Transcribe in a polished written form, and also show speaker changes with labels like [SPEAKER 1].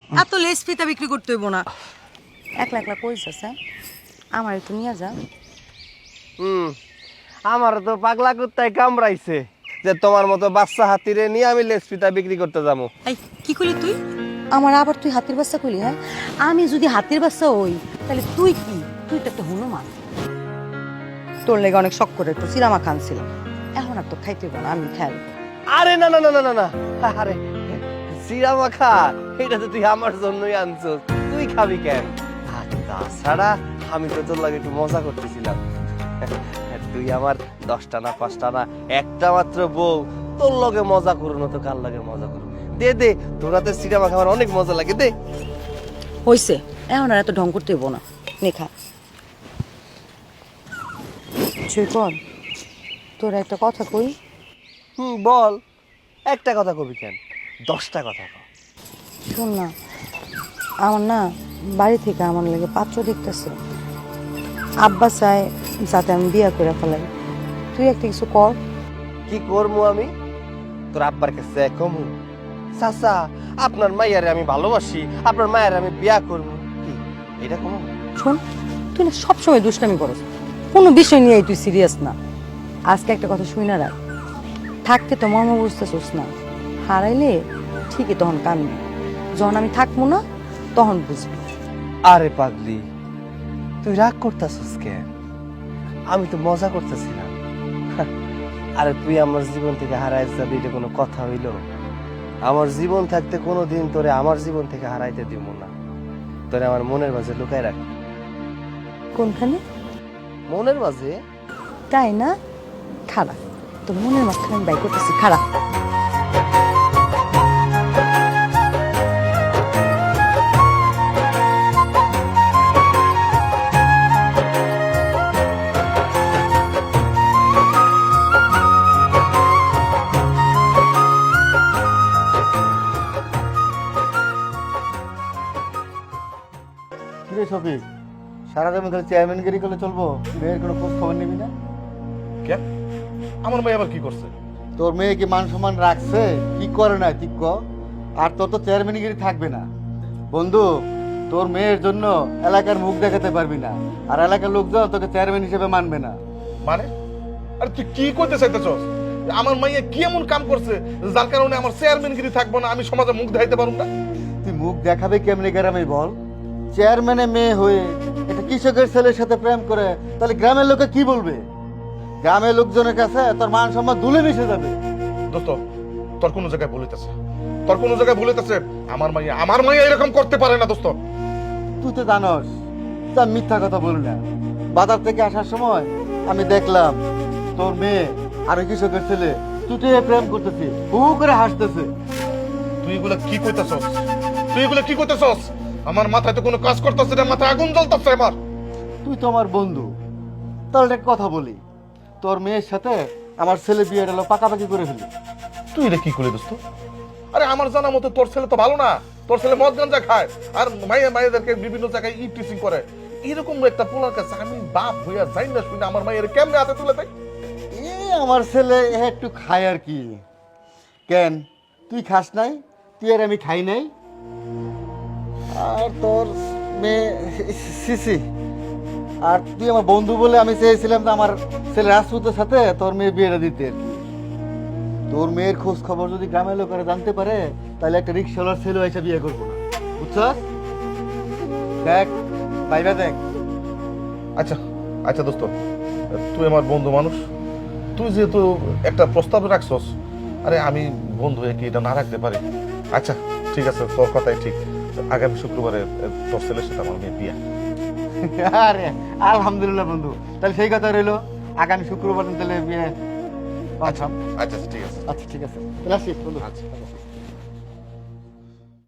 [SPEAKER 1] এত লেস ফিতা বিক্রি করতে হইব না। একলা একলা কইছ হ্যাঁ, আমার একটু নিয়ে যা।
[SPEAKER 2] আমার তো পাগলা কুত্তায় কামড়াইছে যে তোমার মতো বাচ্চা হাতিরে নিয়ে আমি লেস ফিতা বিক্রি করতে যাবো।
[SPEAKER 1] এই কি করলি তুই? আমার আবার তুই হাতির বাচ্চা কইলি? হ্যাঁ, আমি যদি হাতির বাচ্চা হই তাহলে তুই কি? তুই তো একটা হনুমান। তোর লেগে অনেক শখ করে একটু সিরামা খান ছিল, এখন আর তো খাইতে হইব না, আমি খেয়াল।
[SPEAKER 2] আরে না না না না না না, আরে সিরা মাখা এটা তো তুই আমার জন্যই আনছো, তুই খাবি কেন? আর তাছাড়া আমি তো তোর লাগে একটু মজা করতেছিলাম। তুই আমার 10টা না 5টা না একটা মাত্র বউ, তোর লগে মজা করুন তো কার লগে মজা করুন? দে দে, তোর হাতে সিরা মাখা আমার অনেক মজা লাগে, দে।
[SPEAKER 1] হইছে, এখন আর এত ঢং করতে হইব না, নে খা। কর, তোর একটা কথা কই।
[SPEAKER 2] বল, একটা কথা কবি কেন, 10টা কথা কও।
[SPEAKER 1] শোন না, আমার না বাড়ি থেকে আমার লাগে পাত্র দেখতেছে। আব্বা চায় যাতে আমি বিয়া করে ফেলাই। তুই একটা কিছু কর।
[SPEAKER 2] কি করবো আমি? তোর আব্বার কাছে কমু চাচা আপনার মাইয়ারে আমি ভালোবাসি, আপনার মায়ের আমি বিয়া করবো, কি এটা কমু?
[SPEAKER 1] শোন, তুই না সবসময় দুষ্টামি করস, কোনো বিষয় নিয়ে তুই সিরিয়াস না। আজকে একটা কথা শুই না রাখ, থাকতে তো মর্ম বুঝতেছিস না, হারাইলে ঠিকই তখন কানবি, যখন আমি থাকবো না তখন বুঝবি।
[SPEAKER 2] আরে পাগলি, তুই রাগ করতেছিস কেন? আমি তো মজা করতেছিলাম। আরে তুই আমার জীবন থেকে হারাই যাবি, এটা কোনো কথা হইল? আমার জীবন থাকতে কোনোদিন তোরে আমার জীবন থেকে হারাইতে দিব না, তোরে আমার মনের মাঝে লুকায় রাখ।
[SPEAKER 1] কোনখানে?
[SPEAKER 2] মনের মাঝে।
[SPEAKER 1] তাই না? খারাপ, তোর মনের মাঝখানে আমি বাই করতেছি, খারাপ।
[SPEAKER 3] কিরে শফিক, সারাদিন খালি চেয়ারম্যানগিরি করলে চলবো? মেয়ের কোনো খোঁজ খবর নিবি না?
[SPEAKER 4] কেন? আমার মেয়ে আবার কি করছে?
[SPEAKER 3] তোর মেয়ে কি মান সম্মান রাখছে? কি করে না ঠিক ক? আর তোর তো চেয়ারম্যানগিরি থাকবে না বন্ধু। তোর মেয়ের জন্য এলাকার মুখ দেখাতে পারবি না, আর এলাকার লোকজন তোকে চেয়ারম্যান হিসেবে মানবে না।
[SPEAKER 4] মানে আরে তুই কি করতে চাইতেছস? আমার মাইয়া কি এমন কাম করছে যার কারণে আমার চেয়ারম্যানগিরি থাকবো না, আমি সমাজে মুখ দেখাইতে পারুম না?
[SPEAKER 3] তুই মুখ দেখাবে কেমনি গ্রামে বল? চেয়ারম্যানের মেয়ে হয়ে একটা কৃষকের ছেলের সাথে প্রেম করে, তাহলে গ্রামের লোকে কি বলবে? গ্রামের লোকজনের কাছে তোর মান সম্মান ধুলে মিশে যাবে।
[SPEAKER 4] দোস্ত, তোর কোনো জায়গায় ভুলিতেছে, তোর কোনো জায়গায় ভুলিতেছে। আমার মাইয়া এরকম করতে পারে না দোস্ত।
[SPEAKER 3] তুই তো জানস তা মিথ্যা কথা বলি না। বাজার থেকে আসার সময় আমি দেখলাম তোর মেয়ে আর ওই কৃষকের ছেলে তুই প্রেম করতেছি, হু করে হাসতেছে।
[SPEAKER 4] তুই এগুলা কি কইতেছস? তুই এগুলা কি কইতেছস? আমার মাথায় তো কোনো কাজ করতেছে না, মাথায় আগুন জ্বলতেছে আমার।
[SPEAKER 3] তুই তো আমার বন্ধু, তাহলে একটা কথা বলি, তোর মেয়ের সাথে আমার ছেলে বিয়েটা পাকাপাকি করে ফেলি।
[SPEAKER 4] তুই এটা কি করলি দোস্ত? আরে আমার জানা মতো তোর ছেলে তো ভালো না, তোর ছেলে মদ গাঁজা খায় আর মায়েদেরকে বিভিন্ন জায়গায় ই টিচিং করে। এরকম একটা পোলার কাছে আমি বাপ হইয়া যাই না শুনে আমার মায়ের কেমনে হাতে তুলে দেয়?
[SPEAKER 3] এ আমার ছেলে একটু খায় আর কি। কেন তুই খাস নাই? তুই আর আমি খাই নাই? আর তোর মেয়ে সিসি, আর তুই আমার বন্ধু বলে আমি চেয়েছিলাম যে আমার ছেলে রাজপুতের সাথে তোর মেয়ে বিয়েটা দিতে আর কি। তোর মেয়ের খোঁজ খবর যদি গ্রামের লোকেরা জানতে পারে, তাহলে একটা রিক্সাওয়ালার ছেলে এসে বিয়ে করবো না, বুঝছস? দেখ ভাইবা দেখ।
[SPEAKER 4] আচ্ছা আচ্ছা দোস্ত, তুই আমার বন্ধু মানুষ, তুই যেহেতু একটা প্রস্তাব রাখছস, আরে আমি বন্ধু হয়ে কি এটা না রাখতে পারি? আচ্ছা ঠিক আছে, তোর কথাই ঠিক। আগামী শুক্রবারে তোর ছেলের সাথে আমার মেয়ে বিয়া।
[SPEAKER 3] আরে আলহামদুলিল্লাহ বন্ধু, তাহলে সেই কথা রইলো, আগামী শুক্রবার তাহলে বিয়ে।
[SPEAKER 4] আচ্ছা আচ্ছা ঠিক আছে।
[SPEAKER 3] আচ্ছা ঠিক আছে, তাহলে আসি বন্ধু।
[SPEAKER 4] আচ্ছা।